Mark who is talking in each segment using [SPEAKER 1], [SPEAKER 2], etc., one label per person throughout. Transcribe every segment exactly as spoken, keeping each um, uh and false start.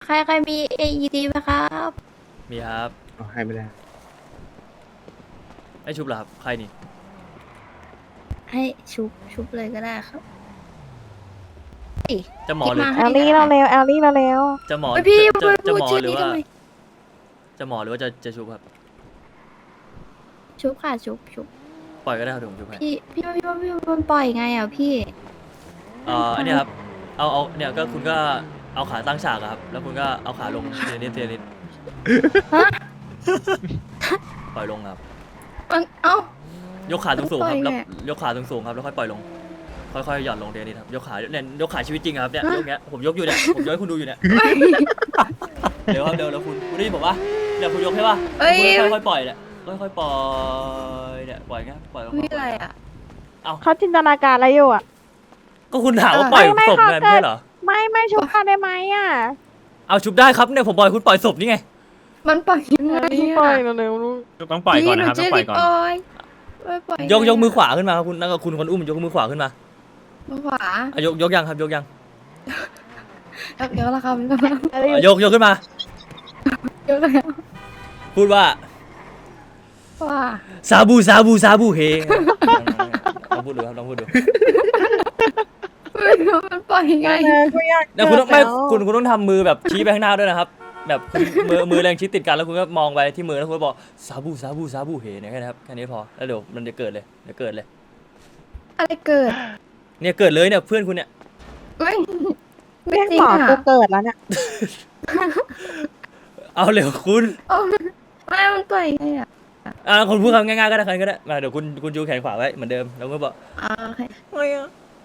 [SPEAKER 1] ครใครมี เอ อี ดี ไหมครับ
[SPEAKER 2] มีครับ
[SPEAKER 3] อ๋อให้ไม่ได้
[SPEAKER 2] ไอชุบเหรอครับใครนี่
[SPEAKER 1] ให้ชุบชุบเลยก็ได้ครับเอ้ย
[SPEAKER 2] จะหมอหรือ
[SPEAKER 1] คิด
[SPEAKER 4] แอลลี่เราเร็วแอลลี่เราเร็ว
[SPEAKER 2] จะหมอ
[SPEAKER 1] เฮ้ยพี่
[SPEAKER 2] จะจะ
[SPEAKER 1] พูด
[SPEAKER 2] จะหมอ
[SPEAKER 1] ชื่อ
[SPEAKER 2] หรือ
[SPEAKER 1] นี้
[SPEAKER 2] ว่า
[SPEAKER 1] ทำไม
[SPEAKER 2] จะหมอหรือว่าจะจะชุบครับ
[SPEAKER 1] ชุบค่ะชุบชุบ
[SPEAKER 2] ปล่อยก็ได้ครับเดี๋ยวผมชุบให้
[SPEAKER 1] พี่พี่ว่าพี่ว่าพี่ว่ามันปล่อยไงอ่ะพี่
[SPEAKER 2] เอ่ออันนี้ครับเอาเอาเนี่ยก็คุณก็เอาขาตั้งฉากอะครับแล้วคุณก็เอาขาลงเทียนิดเทียนิด
[SPEAKER 1] ฮะ
[SPEAKER 2] ปล่อยลงครับ
[SPEAKER 1] มันเอ้าย
[SPEAKER 2] กขาสูงสูงๆครับ
[SPEAKER 1] ปล่
[SPEAKER 2] แล้ว
[SPEAKER 1] อยไง
[SPEAKER 2] ยกขาสูงสูงๆครับแล้วค่อยปล่อยลงค่อยๆหย่อนลงเทียนิดครับยกขาเนี่ยยกขาชีวิตจริงอะครับเนี่ยยกเงี้ยผมยกอยู่เนี่ยผมยกให้คุณดูอยู่เนี่ยเดี๋ยวครับเดี๋ยวแล้วคุณคุณได้ยินผมปะเนี่ยคุณยกใช่ปะ
[SPEAKER 1] เอ้ย
[SPEAKER 2] คุณค่อยๆปล่อยเนี่ยค่อยๆปล่อยเนี่ยปล่อยเงี้ยปล่อยลง
[SPEAKER 1] มีอะไรอ่ะ
[SPEAKER 4] เขาจินตนาการอะไรอยู่อ่ะ
[SPEAKER 2] ก็คุณถามว่าปล่อย
[SPEAKER 4] ไม่
[SPEAKER 2] ศพ
[SPEAKER 4] เขา
[SPEAKER 2] ไง
[SPEAKER 4] เกิ
[SPEAKER 2] ไม่
[SPEAKER 4] ด
[SPEAKER 2] ใช่เหรอ
[SPEAKER 4] ไม่ไม่ชุบเขาได้ไหมอ่ะ
[SPEAKER 2] เอาชุบได้ครับเนี่ยผมปล่อยคุณปล่อยศพนี่ไง
[SPEAKER 1] มันปล่อยยังไง
[SPEAKER 4] ปล่อย
[SPEAKER 1] อ่ะ
[SPEAKER 4] เร็วๆลูก
[SPEAKER 5] ต้องปล่อยก่อนนะครับ
[SPEAKER 1] พี่
[SPEAKER 5] ต้องปล่อยก่อน
[SPEAKER 1] หชื่ดิปล่อยปล่อย
[SPEAKER 2] ยกยกมือขวาขึ้นมาครับคุณนั่นก็คุณคนอุ้มยกมือขวาขึ้นมา
[SPEAKER 1] มือขวา
[SPEAKER 2] อ่ะยกยกยังครับยกยัง
[SPEAKER 1] ยกเยอะแล้วครับยกแล้ว
[SPEAKER 4] แอลลี่
[SPEAKER 2] อ่ะยกยกขึ้นมา
[SPEAKER 1] ยกแล้ว
[SPEAKER 2] พูดว่า
[SPEAKER 1] ว่า
[SPEAKER 2] ซาบูซาบูซาบูเฮลองพูดดูครับลองพูดดู
[SPEAKER 1] ไม่รู้มันปล่อยยังไง
[SPEAKER 4] เออกูอยาก
[SPEAKER 2] แล้วคุณต้องไม่
[SPEAKER 4] เกิดแล้ว
[SPEAKER 2] คุณคุณต้องทำมือแบบชี้ไปข้างหน้าด้วยนะครับ แบบคุณมือมือแรงชี้ติดกันแล้วคุณก็มองไปที่มือแล้วคุณก็บอกซาบูซาบูซาบูเฮเนี่ยแค่นี้ครับแค่นี้พอแล้วเดี๋ยวมันจะเกิดเลยเดี๋ยวเกิดเลย
[SPEAKER 1] อะไรเกิด
[SPEAKER 2] เนี่ยเกิดเลยเนี่ยเพื่อนคุณเนี่ย
[SPEAKER 1] ไม่ไม่
[SPEAKER 4] เรียก
[SPEAKER 1] จริ
[SPEAKER 4] ห
[SPEAKER 1] ง
[SPEAKER 4] มอ
[SPEAKER 1] อ่ะ
[SPEAKER 4] กูเกิดแล้วเนี่ย
[SPEAKER 2] เอาเร็วคุณ
[SPEAKER 1] เอาไม่มันปล่อยยังไงอ่ะ
[SPEAKER 2] อ่าคนพูดคำง่ายๆก็ได้ใครก็ได้มาเดี๋ยวคุณคุณจูแขนขวาไว้เหมือนเดิมแล้วก็บอก
[SPEAKER 1] อ่าโอเค
[SPEAKER 2] ไม่อะ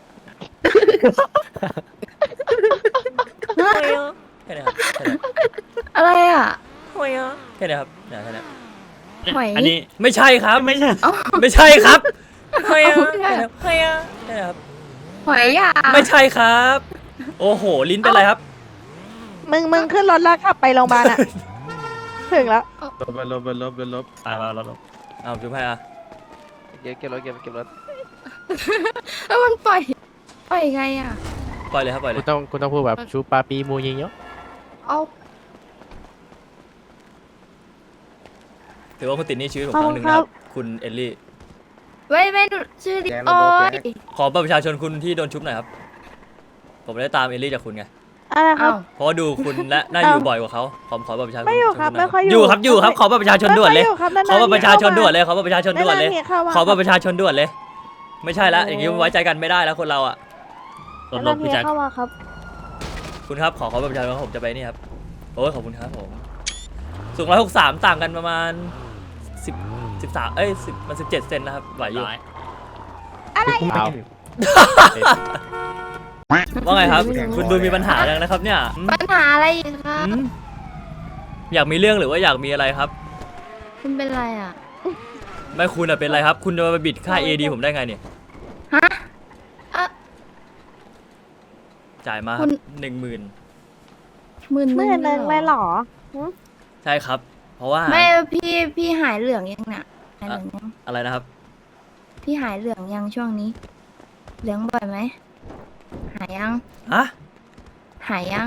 [SPEAKER 2] ไม่อะแค่นี้ครับแค่นี้
[SPEAKER 1] อะไรอ่ะ
[SPEAKER 2] ไม่อะแค่นี้ครับเนี่ยแค่นี้
[SPEAKER 1] หอย
[SPEAKER 5] อันนี้
[SPEAKER 2] ไม่ใช่ครับ
[SPEAKER 5] ไม่ใช่
[SPEAKER 1] เอ้า
[SPEAKER 2] ไม่ใช่ครับไม่อะ
[SPEAKER 1] ไม่ใช่
[SPEAKER 2] แค่นี้ครับแค่นี้ครับ
[SPEAKER 1] หอยอ่ะ
[SPEAKER 2] ไม่ใช่ครับ โอ้โหลิ้นเป็นไรครับ
[SPEAKER 4] มึงมึงขึ้นรถแล้วขับไปโรงพยาบาลอ่ะ ถึงแล้ว
[SPEAKER 3] ลบลบลบลบลบ
[SPEAKER 5] ตายแล้วแล้ว
[SPEAKER 2] เอาจุ๊บให้อ่ะ
[SPEAKER 6] เก็บเก็บรถเก็บเก็บรถ
[SPEAKER 1] แล้วมันปล่อยปล่อยยังไงอ่ะ
[SPEAKER 2] ปล่อยเลยครับปล่อยเล
[SPEAKER 6] คุณ
[SPEAKER 2] ย
[SPEAKER 6] ต้องคุณต้องพูดแบบชูปาปีมูยิงเยอะ
[SPEAKER 1] เอา
[SPEAKER 2] ถือว่าคุณติดหนี่ชีวิตผมครั้งหนึ่งนะครับคุณเอลลี่
[SPEAKER 1] ไม่ไม่หนูชื่อดิ
[SPEAKER 3] แกง
[SPEAKER 1] โอ้
[SPEAKER 3] ระบบ
[SPEAKER 1] ย
[SPEAKER 3] แกง
[SPEAKER 2] ขอบัตรประชาชนคุณที่โดนชุบหน่อยครับ ผมได้ตามเอลลี่จากคุณไง
[SPEAKER 4] อะไรครั
[SPEAKER 1] เอ้า
[SPEAKER 4] บ
[SPEAKER 2] เพราะว่าดูคุณและน่าอยู่บ่อยกว่าเขาขอขอบัตรประชาชน
[SPEAKER 4] ไม่อยู่ครับ
[SPEAKER 2] ณหน่
[SPEAKER 4] ไม่ค่อยอยู่
[SPEAKER 2] อยู่ครับอยู่ครับขอบัตรประชาชนด่วนเลย
[SPEAKER 4] ไม่ค่อครับ
[SPEAKER 2] ขอบัตรประชาชนด่วนเลย
[SPEAKER 4] ย
[SPEAKER 2] ขอบัตรประชาชนด่วนเลย
[SPEAKER 4] าๆเข้ามา
[SPEAKER 2] ขอบัตรประชาชนด่วนเลย ไม่ใช่ละอย่างนี้ไว้ใจกันไม่ได้แล้วคนเราอ่ะ
[SPEAKER 5] รถล
[SPEAKER 4] นา
[SPEAKER 5] บ
[SPEAKER 4] นๆ
[SPEAKER 5] พี่แจ็ค
[SPEAKER 4] เข้ามาครับ
[SPEAKER 2] คุณครับขอขอบัตรประชาชนผมจะไปนี่ครับโอ้ยขอบคุณครับผมสูงร้อยหกสามต่างกันประมาณสิบสิบสามเอ้ยสิบมันสิบเจ็ดเซนนะครับไหวอยู่
[SPEAKER 5] ร้อย
[SPEAKER 6] เอา
[SPEAKER 2] ว่าไงครับ คุณดูมีปัญหาอย่างนะครับเนี่ยอืม
[SPEAKER 1] ปัญหาอะไรอีกครับ
[SPEAKER 2] อืมอยากมีเรื่องหรือว่าอยากมีอะไรครับ
[SPEAKER 1] คุณเป็นไรอ่ะ
[SPEAKER 2] ไม่คุณอะเป็นอะไรครับ คุณจะมาบิดค่า เอ ดี ผมได้ไงเนี่ย
[SPEAKER 1] ฮะอ่ะ
[SPEAKER 2] จ่ายมาค
[SPEAKER 1] คุ
[SPEAKER 2] รับ
[SPEAKER 1] ณ
[SPEAKER 2] หนึ่งหมื่น
[SPEAKER 1] หมื่น
[SPEAKER 4] หมื่นหนึ่งเลยเหรอ
[SPEAKER 2] ใช่ครับ เพราะว่า
[SPEAKER 1] ไม่พี่พี่หายเหลืองยังเนี่ยหายเหลืองยัง
[SPEAKER 2] อะไรนะครับ
[SPEAKER 1] พี่หายเหลืองยังช่วงนี้ เหลืองบ่อยไหมหายยัง
[SPEAKER 2] ฮะ
[SPEAKER 1] หายยัง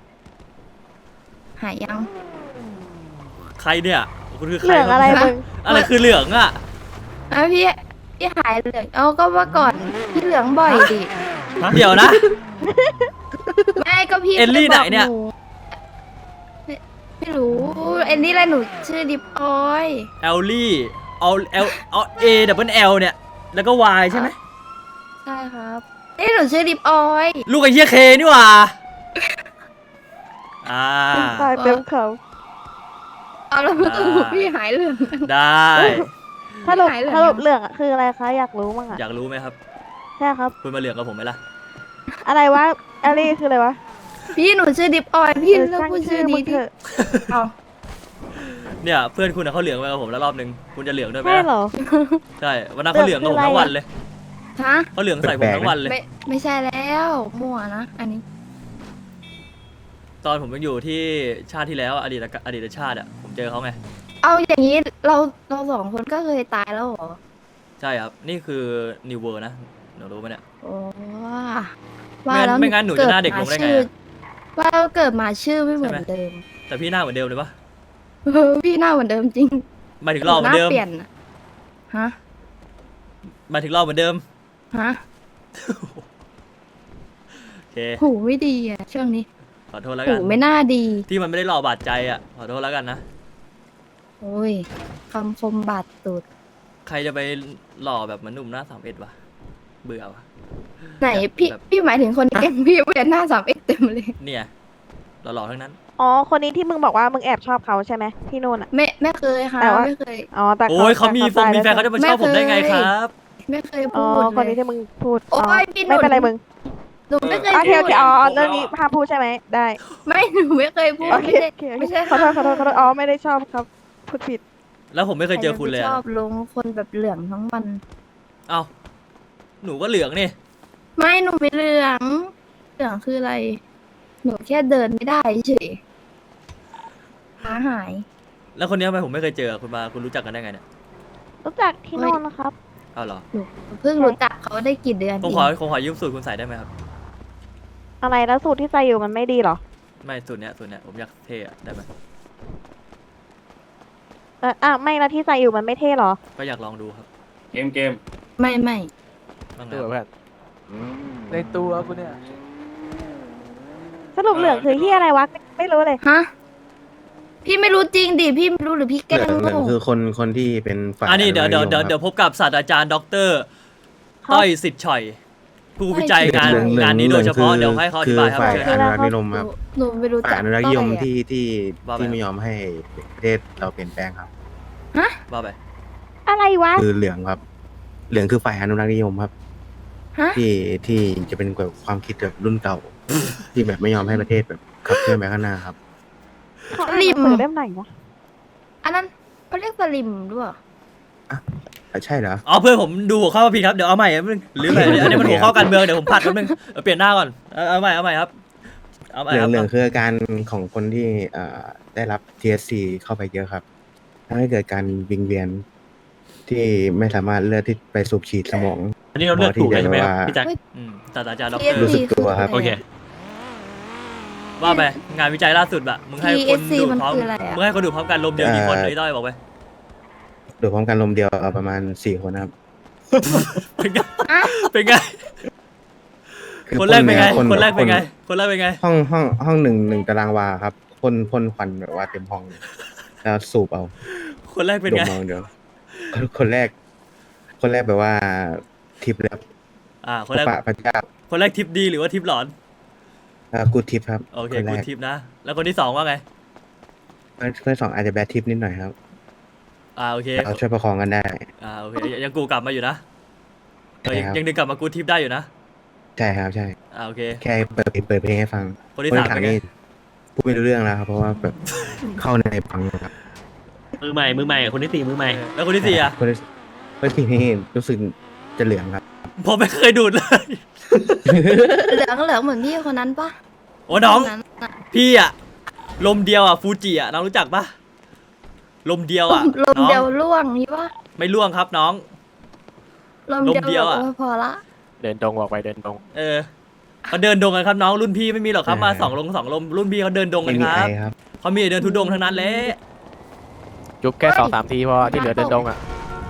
[SPEAKER 1] หายยัง
[SPEAKER 2] ใครเนี่ย คุณคือใค
[SPEAKER 4] เห
[SPEAKER 2] ร
[SPEAKER 4] ลืองอะไร
[SPEAKER 2] คบ
[SPEAKER 4] มึง
[SPEAKER 2] อะไรคือเหลืองอ่ะ
[SPEAKER 1] อ่ะพี่พี่หายเหลืองเอาก็ว่าก่อนพี่เหลืองบ่อยดิ
[SPEAKER 2] เดี๋ยวนะ
[SPEAKER 1] ไม่ก็พี่
[SPEAKER 2] เอลลี่
[SPEAKER 1] คบก
[SPEAKER 2] ไหนเนี่ย
[SPEAKER 1] ไม่ไม่รู้เอลลี่อะไรหนูชื่อดิบออย
[SPEAKER 2] เอลลี่เอาเอลเอาเอดับเบิลเอลเนี่ย แล้วก็ Y ใช่ไหม
[SPEAKER 1] ใช่ครับนี่หนูชื่อดิบออย
[SPEAKER 2] ลูกไอ้เหี้ยเคนี่หว่า อ่า
[SPEAKER 4] ตายเต็มเขา
[SPEAKER 1] เอาแล้ว
[SPEAKER 2] ได้
[SPEAKER 1] พี่หายเหลือง
[SPEAKER 2] ได้
[SPEAKER 4] สรุป
[SPEAKER 1] หายเหลือง
[SPEAKER 4] สรุปเหลืองอะคืออะไรคะ อยากรู้มั้งอ่ะ
[SPEAKER 2] อยากรู้ไหมครับ
[SPEAKER 4] ใช่ครับ
[SPEAKER 2] คุณมาเหลืองกับผมไหมล่ะ
[SPEAKER 4] อะไรวะแอลลี่คืออะไรวะ
[SPEAKER 1] พี่หนูชื่อดิบออยพี่
[SPEAKER 4] เออ
[SPEAKER 1] เลิก
[SPEAKER 4] ช่าง
[SPEAKER 1] พูด
[SPEAKER 4] ชื่
[SPEAKER 1] ชื่
[SPEAKER 4] อ
[SPEAKER 1] อ
[SPEAKER 4] มึ
[SPEAKER 1] นี้
[SPEAKER 4] ง
[SPEAKER 1] ดิ
[SPEAKER 4] เถอะ
[SPEAKER 1] เอา
[SPEAKER 2] เนี่ยเพื่อนคุณอะเขาเหลืองไปกับผมแล้วรอบนึง คุณจะเหลืองด้วยไหม
[SPEAKER 4] ใช่
[SPEAKER 2] ล่ะ
[SPEAKER 4] เหรอ
[SPEAKER 2] ใช่ วันนั้นเขาเหลืองกับผมทั้งวันเลย
[SPEAKER 1] ฮะ
[SPEAKER 2] เขาเหลืองใส่ผมทั้งวันเลย
[SPEAKER 1] ไม่ไม่ใช่แล้วมั่วนะอันนี้
[SPEAKER 2] ตอนผมยังอยู่ที่ชาติที่แล้วอดีตอดีตชาติอ่ะผมเจอเขาไง
[SPEAKER 1] เอาอย่างนี้เราเราสองคนก็เคยตายแล้วเหรอ
[SPEAKER 2] ใช่ครับ นี่คือนิวเวอร์นะหนูรู้ไหมเนี่ย
[SPEAKER 1] โอ้
[SPEAKER 2] ไม่งั้นไม่งั้นหนูจะหน้าเด็กลงได้ไงอะ
[SPEAKER 1] หว่าเกิดมาชื่อไม่เหมือน
[SPEAKER 2] ใช่ไหม
[SPEAKER 1] เดิม
[SPEAKER 2] แต่พี่หน้าเหมือนเดิมเลยปะ
[SPEAKER 1] เออพี่หน้าเหมือนเดิมจริง
[SPEAKER 2] หมายถึงหล่อเหมือนเดิม
[SPEAKER 1] หน้าเปลี่ยนอะฮะ
[SPEAKER 2] หมายถึงหล่อเหมือนเดิม
[SPEAKER 1] ฮะ
[SPEAKER 2] โอเค
[SPEAKER 1] หูไม่ดีอ่ะช่วงนี้
[SPEAKER 2] ขอโทษแล้ว
[SPEAKER 1] หู
[SPEAKER 2] กัน
[SPEAKER 1] ไม่น่าดี
[SPEAKER 2] ที่มันไม่ได้หล่อบาดใจอ่ะขอโทษแล้วกันนะ
[SPEAKER 1] โอ้ยคำคมบาดตูด
[SPEAKER 2] ใครจะไปหล่อแบบเหมือนหนุ่มหน้าสามเอ็ดวะเบื่อวะ
[SPEAKER 1] ไหนพี่
[SPEAKER 2] แบบ
[SPEAKER 1] พี่หมายถึงคนเก่งพี่เวียนหน้าสามเอ็กเต็มเลย
[SPEAKER 2] เนี่ยหล่อๆทั้งนั้น
[SPEAKER 4] อ๋อคนนี้ที่มึงบอกว่ามึงแอบชอบเขาใช่ไหมที่นู่นอ่ะ
[SPEAKER 1] ไม่ไม่เคยค่ะ
[SPEAKER 4] แต่ว่า
[SPEAKER 1] ไม่เคย
[SPEAKER 4] อ๋อแต่
[SPEAKER 2] โอ้ยเขามีฟงมีแฟนเขาจะมาชอบผมได้ไงครับ
[SPEAKER 1] ไม่เคย
[SPEAKER 4] อ๋อ
[SPEAKER 1] พูด
[SPEAKER 4] คนนี้
[SPEAKER 1] เลย
[SPEAKER 4] ที่มึงพูด
[SPEAKER 1] โอ๊ย
[SPEAKER 4] อ๋อ
[SPEAKER 1] พี่หนุ่ม
[SPEAKER 4] ไม่เป็นไรมึง
[SPEAKER 1] หนูไม่เคย
[SPEAKER 4] โอเค
[SPEAKER 1] พู
[SPEAKER 4] โอ
[SPEAKER 1] ด
[SPEAKER 4] เคอ๋อเรื่องนี้ห้ามพูดใช่ไหมได้
[SPEAKER 1] ไม่หนูไม่เคยพูด
[SPEAKER 4] โอเค
[SPEAKER 1] ไม่ใช่
[SPEAKER 4] โอเคโอ
[SPEAKER 1] ไม่
[SPEAKER 4] เค
[SPEAKER 1] ใช่
[SPEAKER 4] ขอโทษขอโทษขอโทษอ๋อไม่ได้ชอบครับพูดผิด
[SPEAKER 2] แล้วผมไม่เคยเจอคุณเลย
[SPEAKER 1] ใร
[SPEAKER 2] อะ
[SPEAKER 1] จะไปชอบลงคนแบบเหลืองทั้งวัน
[SPEAKER 2] เอ้าหนูก็เหลืองนี่
[SPEAKER 1] ไม่หนูไม่เหลือง เหลืองคืออะไร หนูแค่เดินไม่ได้เฉยขาหาย
[SPEAKER 2] แล้วคนนี้ทำไมผมไม่เคยเจอคุณมาคุณรู้จักกันได้ไงเนี่ย
[SPEAKER 4] รู้จักที่นู่นนะครับ
[SPEAKER 2] เอาเหรอ
[SPEAKER 1] หนูเพิ่งรู้จักเขาได้กี่เดือน
[SPEAKER 2] ผม
[SPEAKER 1] เอ
[SPEAKER 2] ของ ผมขอยืมสูตรคุณใส่ได้ไหมครับ
[SPEAKER 4] อะไรแล้วสูตรที่ใส่อยู่มันไม่ดีเหรอ
[SPEAKER 2] ไม่สูตรเนี้ยสูตรเนี้ยผมอยากเท่อะได้ไหม
[SPEAKER 4] เอออ่ะไม่แล้วที่ใส่อยู่มันไม่เท่เหรอ
[SPEAKER 2] ก็อยากลองดูครับ
[SPEAKER 3] เกมเกม
[SPEAKER 1] ไม่ไม่
[SPEAKER 2] บ้าง
[SPEAKER 6] ตัว
[SPEAKER 2] นะ
[SPEAKER 6] เพื่อนในตัวกูเนี่ย
[SPEAKER 4] สรุปเหลืองคือที่อะไรวะไม่รู้เลย
[SPEAKER 1] ฮะ พี่ไม่รู้จริงดิ พี่ไม่รู้หรือพี่แก
[SPEAKER 5] เห
[SPEAKER 1] ล้
[SPEAKER 5] ลื
[SPEAKER 1] ง
[SPEAKER 5] องเหลือง
[SPEAKER 1] โง่
[SPEAKER 5] คือคนคนที่เป็นฝ่าย
[SPEAKER 2] อันนี้เดี๋ยวเดี๋ยวเดี๋ยว
[SPEAKER 5] อนุรักษ์นิม
[SPEAKER 2] เดี๋ยวพบกับศาสตราจารย์ด็อกเตอร์
[SPEAKER 4] ครับ
[SPEAKER 2] ต้อยสิทธิ์ฉ่อยผู้วิจัยงาน
[SPEAKER 5] เหลืองเหลือง
[SPEAKER 2] งานนี้โดยเฉพาะ
[SPEAKER 5] หลื
[SPEAKER 2] เดี๋ยว
[SPEAKER 5] อง
[SPEAKER 2] ให้เขาอ
[SPEAKER 5] คื
[SPEAKER 2] ธิ
[SPEAKER 5] อบ
[SPEAKER 2] ายครับ
[SPEAKER 5] ฝ่าย
[SPEAKER 2] เชิญ
[SPEAKER 5] อ
[SPEAKER 2] ครับ
[SPEAKER 5] นุรักษ์นิยม
[SPEAKER 1] หนู
[SPEAKER 5] ครับ
[SPEAKER 1] หนูไม่รู้
[SPEAKER 5] ฝ่าย
[SPEAKER 1] จัก
[SPEAKER 5] อนุรักษ์นิยม
[SPEAKER 1] ต้ออะ
[SPEAKER 5] ที่ที่
[SPEAKER 2] ว่าไป
[SPEAKER 5] ที่ไม่ยอมให้ประเทศเราเปลี่ยนแปลงครับ
[SPEAKER 2] ว่าไป
[SPEAKER 4] อะไรวะ
[SPEAKER 5] คือเหลืองครับ เหลืองคือฝ่ายอนุรักษ์นิยมครับ
[SPEAKER 1] ฮะ
[SPEAKER 5] ที่ที่จะเป็นแบบความคิดแบบรุ่นเก่า ที่แบบไม่ยอมให้ประเทศแบบขับเคลื่อนไปข้างหน้าครับ
[SPEAKER 4] เขาอ่านหนังสือเล่มไหนวะ
[SPEAKER 1] อันนั้นเขาเรียกสลิมด้วยเหรอ
[SPEAKER 5] อ่ะใช่เหรอ
[SPEAKER 2] อ๋อเพื่อนผมดูหัวข้อมาผิดครับเดี๋ยวเอาใหม่ครับนึงหรืออะไรอันนี้มันหัวข้อการเมืองเดี๋ยวผมผัดแป๊บนึงเอาเปลี่ยนหน้าก่อนเอาเอาใหม่เอาใหม่ครับเอาใหม่
[SPEAKER 5] เหลื
[SPEAKER 2] ค
[SPEAKER 5] อง
[SPEAKER 2] รับ
[SPEAKER 5] เหลืองคืออาการของคนที่เอ่อได้รับ ที เอส ซี เข้าไปเยอะครับทำให้เกิดการวิงเวียนที่ไม่สามารถเลือดที่ไปสูบฉีดสมอง
[SPEAKER 3] อันนี้เราเลือกถูกเลยใช่ไหมครับพี่แจ็ค
[SPEAKER 2] อืมศาสตราจารย์ด็อก
[SPEAKER 1] ที
[SPEAKER 2] เตอ
[SPEAKER 1] เอส
[SPEAKER 2] ร์
[SPEAKER 5] รู้สึ
[SPEAKER 1] ซี
[SPEAKER 5] กตัวครับ
[SPEAKER 1] ะไะ
[SPEAKER 3] โอเค
[SPEAKER 2] ว่าไปงานวิจัยล่าสุดอะมึงให้คน
[SPEAKER 1] ที เอส ซี
[SPEAKER 2] ดู
[SPEAKER 1] มัน
[SPEAKER 2] พร้อม
[SPEAKER 1] คืออะไรอะ
[SPEAKER 2] มึงให้คนดูพร้อมกันลมเดียวกี่คนไอ้ต้อยบอกไป
[SPEAKER 5] โดยพร้อมกันลมเดียวเอาประมาณสี่คนนะครับ
[SPEAKER 2] เป็นไง
[SPEAKER 1] อ่ะ
[SPEAKER 2] เป็นไง
[SPEAKER 5] คือ
[SPEAKER 2] คนแรกเป็นไง
[SPEAKER 5] พ่
[SPEAKER 2] คนแรกเป็นไง
[SPEAKER 5] ค
[SPEAKER 2] คนแรกเป็นไง
[SPEAKER 5] ห้องห้องห้องหนึ่งหนึ่งตารางวาครับพ่นพ่นควันแบบว่าเต็มห้องเลยแล้วสูบเอา
[SPEAKER 2] คนแรกเป็น
[SPEAKER 5] ดม
[SPEAKER 2] ไง
[SPEAKER 5] เอาเดียวคนคนแรก คนแรกแบบว่าทิปแล้ว
[SPEAKER 2] อ่าคนแรก
[SPEAKER 5] พระพระเจ้า
[SPEAKER 2] คนแรกทิปดีหรือว่าทิปหลอน
[SPEAKER 5] อ่ากูทิปครับ
[SPEAKER 2] โอเค
[SPEAKER 5] คนแร
[SPEAKER 2] กู
[SPEAKER 5] ก
[SPEAKER 2] ทิปนะ แล้วคนที่สองว่าไง
[SPEAKER 5] คนคนที่สองอาจจะแบดทิปนิดหน่อยครับ
[SPEAKER 2] อ่าโอเค
[SPEAKER 5] แต่เราช่วยประคองกันได้
[SPEAKER 2] อ่าโอเคยังยังกูกลับมาอยู่นะเออยัง
[SPEAKER 5] ใช่ครับ
[SPEAKER 2] ยังดึงกลับมากูทิปได้อยู่นะ
[SPEAKER 5] ใช่ครับใช่
[SPEAKER 2] อ่าโอเค
[SPEAKER 5] แค่เปิดเปิดเพลงให้ฟัง
[SPEAKER 2] คนที่สามเป็นไง
[SPEAKER 5] นี่พูดไม่รู้เรื่องแล้วครับเพราะว่าแบบเข้าในฟังครับ
[SPEAKER 3] มือใหม่ มือใหม่ คนที่สี่มือใหม่
[SPEAKER 2] แล้วคนที่สี่อ่ะ
[SPEAKER 5] คนที่คนที่นี่รู้สึกจะเหลืองครับ
[SPEAKER 2] ผมไม่เคยดูดเลย
[SPEAKER 1] เหลืองเหลืองเหมือนพี่คนนั้นปะ
[SPEAKER 2] โอ้น้อง
[SPEAKER 1] คนั้นน่ะ
[SPEAKER 2] พี่อ่ะลมเดียวอ่ะฟูจิอ่ะน้องรู้จักปะลมเดียว
[SPEAKER 1] ล
[SPEAKER 2] อ่ะ
[SPEAKER 1] มลม
[SPEAKER 2] น้อง
[SPEAKER 1] เดียวล่วงนี่ปะ
[SPEAKER 2] ไม่ล่วงครับน้อง
[SPEAKER 1] ลม
[SPEAKER 2] ลมเดี
[SPEAKER 1] เดี
[SPEAKER 2] ย
[SPEAKER 1] ยว ว
[SPEAKER 2] อะ
[SPEAKER 1] เออพอละ
[SPEAKER 6] เดินตรงออกไปเดินตรง
[SPEAKER 2] เออเขาเดินดงกันครับน้องรุ่นพี่ไม่มีหรอกครับมาสองลงสองลมรุ่นพี่เขาเดินดงกั
[SPEAKER 5] ไม่
[SPEAKER 2] น
[SPEAKER 5] มี
[SPEAKER 2] ค
[SPEAKER 5] ไอ
[SPEAKER 2] รับ
[SPEAKER 5] ครับ
[SPEAKER 2] เขามีเดินทุดงทั้งนั้นแหละ
[SPEAKER 6] จุ๊บแค่สองสามทีพอที่เหลือเดินตรงอ่ะ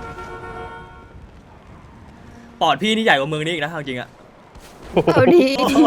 [SPEAKER 2] ปอดพี่นี่ใหญ่กว่าเมืองนี้อีกนะเอาจริงอ่ะ
[SPEAKER 1] เอาดี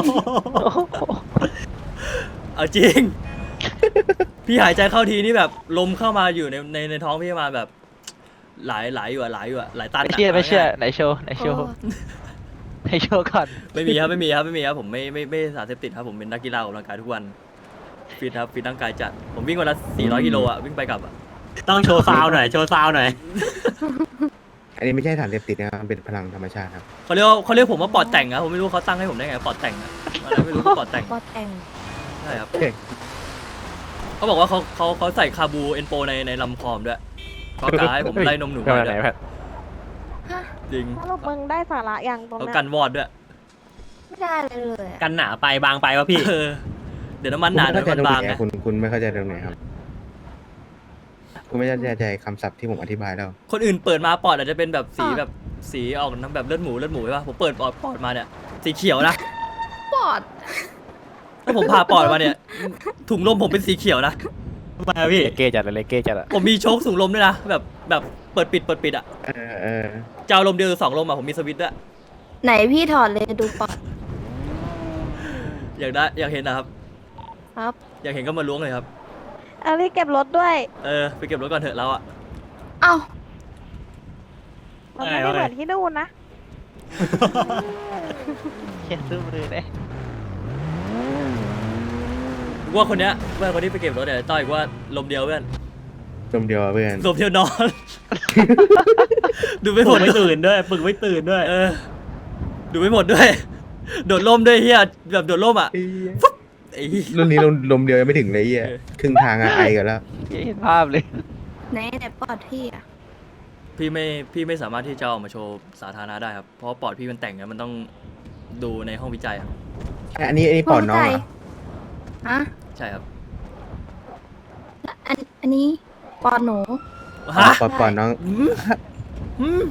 [SPEAKER 2] เอาจริง พี่หายใจเข้าทีนี่แบบลมเข้ามาอยู่ในในในท้องพี่มาแบบ หลายหลายอยู่อะหลายอยู่อะหลายตัน
[SPEAKER 6] ไม่
[SPEAKER 2] อะ
[SPEAKER 6] เชื่อไม่เชื่อ
[SPEAKER 2] ง่าย
[SPEAKER 6] ไหนโชว์ไหนโชว์
[SPEAKER 1] โอ้
[SPEAKER 6] ไหนโชว์ก่อน
[SPEAKER 2] ๆไม่มีครับไม่มีครับไม่มีครับผมไม่ไม่ไม่สารเสพติดครับผมเป็นนักกีฬาออกกำลังกายทุกวันฟิตครับฟิตร่างกายจัดผมวิ่งวันละสี่ร้อยกิโลอะวิ่งไปกลับอะ
[SPEAKER 3] ต้องโชว์ซาวหน่อย โชว์ซาวหน่อย
[SPEAKER 5] อันนี้ไม่ใช่สารเสพติดนะครับมันเป็นพลังธรรมชาติครับ
[SPEAKER 2] เขาเรียกว่าเขาเรียกผมว่าปอดแต่งอะผมไม่รู้เขาตั้งให้ผมได้ไงปอดแต่งอะอะไรไม่รู้ปอดแต่ง
[SPEAKER 1] ปอแต่ง
[SPEAKER 2] ใช่ครับเขาบอกว่าเขาเขาเขาใส่คาบูเอนโปในในลำคอมด้วยเขากาให้ผมไล่นมหนู
[SPEAKER 6] เพื่อน
[SPEAKER 2] มา
[SPEAKER 6] ไหน
[SPEAKER 2] ด้วย
[SPEAKER 6] แพท
[SPEAKER 1] ฮะ
[SPEAKER 2] จริง
[SPEAKER 4] สรุปมึงได้สาระยังตรง
[SPEAKER 2] เขา
[SPEAKER 4] เนี้ย
[SPEAKER 2] กันวอดด้วย
[SPEAKER 1] ไม่ได้เลยเลยอะ
[SPEAKER 3] กันหนาไปบางไปวะพี่
[SPEAKER 2] เออเดี๋ยวน้ำมันหนา
[SPEAKER 5] คุณ
[SPEAKER 2] เดี๋ยว
[SPEAKER 5] ไม่
[SPEAKER 2] น้ำ
[SPEAKER 5] เข้า
[SPEAKER 2] มัน
[SPEAKER 5] ใจตรง
[SPEAKER 2] บาง
[SPEAKER 5] ไหน
[SPEAKER 2] ไง
[SPEAKER 5] อะคุณคุณไม่เข้าใจตรงไหนครับ คุณไม่เข้าใจคำศัพท์ที่ผมอธิบายแล้ว
[SPEAKER 2] คนอื่นเปิดมาปอดอาจจะเป็นแบบสี
[SPEAKER 1] อ่ะ
[SPEAKER 2] แบบสีออกน้ำแบบเลือดหมูเลือดหมูใช่ปะผมเปิดปอดปอดมาเนี่ยสีเขียวนะ
[SPEAKER 1] ปอด
[SPEAKER 2] ถ้าผมผ่าปอดมาเนี่ย ถุงลมผมเป็นสีเขียวนะ
[SPEAKER 3] ทำไมอะพี่
[SPEAKER 6] เลเก้จัดเลยเลเก้จัดอะ
[SPEAKER 2] ผมมีโชคถุงลมด้วยนะ แบบแบบเปิดปิดเปิดปิดอ่ะ
[SPEAKER 5] เออเออ
[SPEAKER 2] จะเอาลมเดียวหรือสองลมอ่ะผมมีสวิตช์ด้วย
[SPEAKER 1] ไหนพี่ถอดเลยดูปอด
[SPEAKER 2] อยากได้อยากเห็นนะครับ
[SPEAKER 1] ครับ
[SPEAKER 2] อยากเห็นก็มาล้วงเลยครับ
[SPEAKER 4] เอารีบเก็บรถด้วย
[SPEAKER 2] เออไปเก็บรถก่อนเถอะเราอ่ะ
[SPEAKER 1] เอ้า
[SPEAKER 4] มันไม่ได้เหมือนที่นู่นนะ
[SPEAKER 7] เขียนซื้อมือเลย
[SPEAKER 2] ว่าคนเนี้ยเพื่อนคนที่ไปเก็บรถเนี่ยต้อยว่าลมเดียวเพื่อน
[SPEAKER 5] จมเดียวเพื่อน
[SPEAKER 2] ลมเดียวนอน ดูไม่ห
[SPEAKER 3] ป
[SPEAKER 2] ม
[SPEAKER 3] ลุ
[SPEAKER 2] ด
[SPEAKER 3] กไม่ตื่นด้วยปลุกไม่ตื่นด้วย
[SPEAKER 2] เออ ดูไม่หมดด้วย โดดร่มด้วยเฮียแบบโดดร่มอ่ะไอ้เหี้ย
[SPEAKER 5] รุ่นนี้ลมลมเดียวยังไม่ถึงเลยไอ้เหี้ย
[SPEAKER 2] เออ
[SPEAKER 5] ครึ่งทางอะไอกันแล้ว
[SPEAKER 7] เห็นภาพเลย
[SPEAKER 1] ไหนไหนปอดพี่อะ
[SPEAKER 2] พี่ไม่พี่ไม่สามารถที่จะเอาออกมาโชว์สาธารณะได้ครับเพราะว่าปอดพี่มันแต่งเนี่ยมันต้องดูในห้องวิจัยครับ
[SPEAKER 5] อันนี้อันนี้ปอดน้องเหรอ
[SPEAKER 1] ฮะ
[SPEAKER 2] ใช่ครับ
[SPEAKER 1] อันอันนี้ปอดหนู
[SPEAKER 2] ฮะ
[SPEAKER 5] ปอดปอดน้อง
[SPEAKER 2] อืมอืม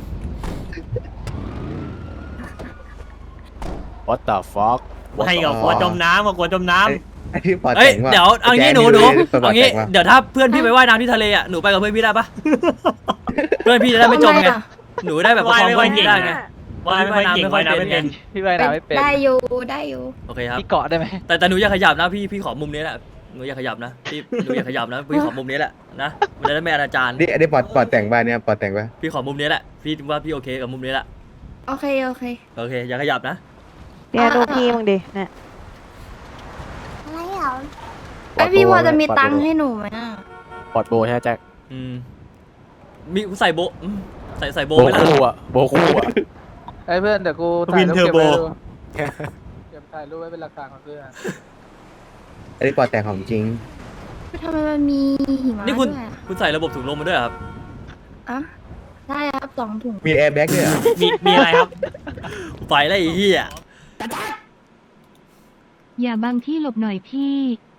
[SPEAKER 6] what the fuck
[SPEAKER 3] ให้กับกลัวจมน้ำกับกลัวจมน้
[SPEAKER 5] ไอ้ที่ปอด
[SPEAKER 2] เอ้ย
[SPEAKER 5] แต่งว่า
[SPEAKER 2] เดี๋ยวเอางี้หนูหนู
[SPEAKER 5] ปอด
[SPEAKER 2] เอางี้
[SPEAKER 5] แต่งว่า
[SPEAKER 2] เดี๋ยวถ้าเพื่อนพี่ไปว่ายน้ำที่ทะเลอ่ะหนูไปกับเพื่อนพี่ได้ปะ เพื่อนพี่จะได้ไม่จมไง
[SPEAKER 1] ทำอะ
[SPEAKER 2] หนูได้แบบประคองเพื่อนพี่ได้ไง
[SPEAKER 3] ำว่ายไม่ค่อยเก่งว่ายน้ำไม่เป็น
[SPEAKER 7] พี่ว่ายน้ำไม่เป็น
[SPEAKER 1] ได้อยู่ได้อยู่
[SPEAKER 2] โอเคครับ
[SPEAKER 7] พี่เกาะได้ไหม
[SPEAKER 2] แต่แต่หนูอย่าขยับนะพี่พี่ขอมุมนี้แหละหนูอย่าขยับนะพี่หนูอย่าขยับนะพี่ขอมุมนี้แหละนะมันจะได้ไม่อนาจาร
[SPEAKER 5] นี่อันนี้ปอดปอดแต่งบ้านเนี่ยปอดแต่งป่ะ
[SPEAKER 2] พี่ขอมุมนี้แหละพี่ว่าพี่โอเคกับมุมนี้แหละ
[SPEAKER 1] โอเคโอเค
[SPEAKER 2] โอเคอย่าขยับนะ
[SPEAKER 4] เนี่ยดูพี่มึงดิเนี่ย
[SPEAKER 1] อะไรเหรอไอยพี่พอจะมีตังค์ให้หนูไหมอะ
[SPEAKER 6] ปอดโบใช่ไหมแจ็ค
[SPEAKER 2] อืมมีใส่โบะอืมใส่ใส่โบ
[SPEAKER 6] โบ
[SPEAKER 2] ไหมล่ะ
[SPEAKER 6] คู่อะโบคู่อะ
[SPEAKER 8] ไอ้เพื่อนเดี๋ยวกู
[SPEAKER 3] วิ
[SPEAKER 8] ถ่าย
[SPEAKER 3] น
[SPEAKER 8] รูป
[SPEAKER 3] เทอร์
[SPEAKER 8] เก็บ
[SPEAKER 3] โบ
[SPEAKER 8] ไว้ดูเก็บถ่ายรูปไว้เป็นหลักฐานของเพื่อน
[SPEAKER 5] อันนี้ปอดแต่งของจริง
[SPEAKER 1] ทำไมมันมีหิมะ
[SPEAKER 2] นี่คุณ
[SPEAKER 1] ด้วยอะ
[SPEAKER 2] คุณใส่ระบบถุงลมมาด้วยเหรอครับ
[SPEAKER 1] อะได้ครับสองถุง
[SPEAKER 5] มีแอร์แบ็กด้วยเหรอ
[SPEAKER 3] มีมีอะไรครับ
[SPEAKER 2] ไฟแล้วไอ้เหี้ย
[SPEAKER 9] อย่าบังที่หลบหน่อยพี่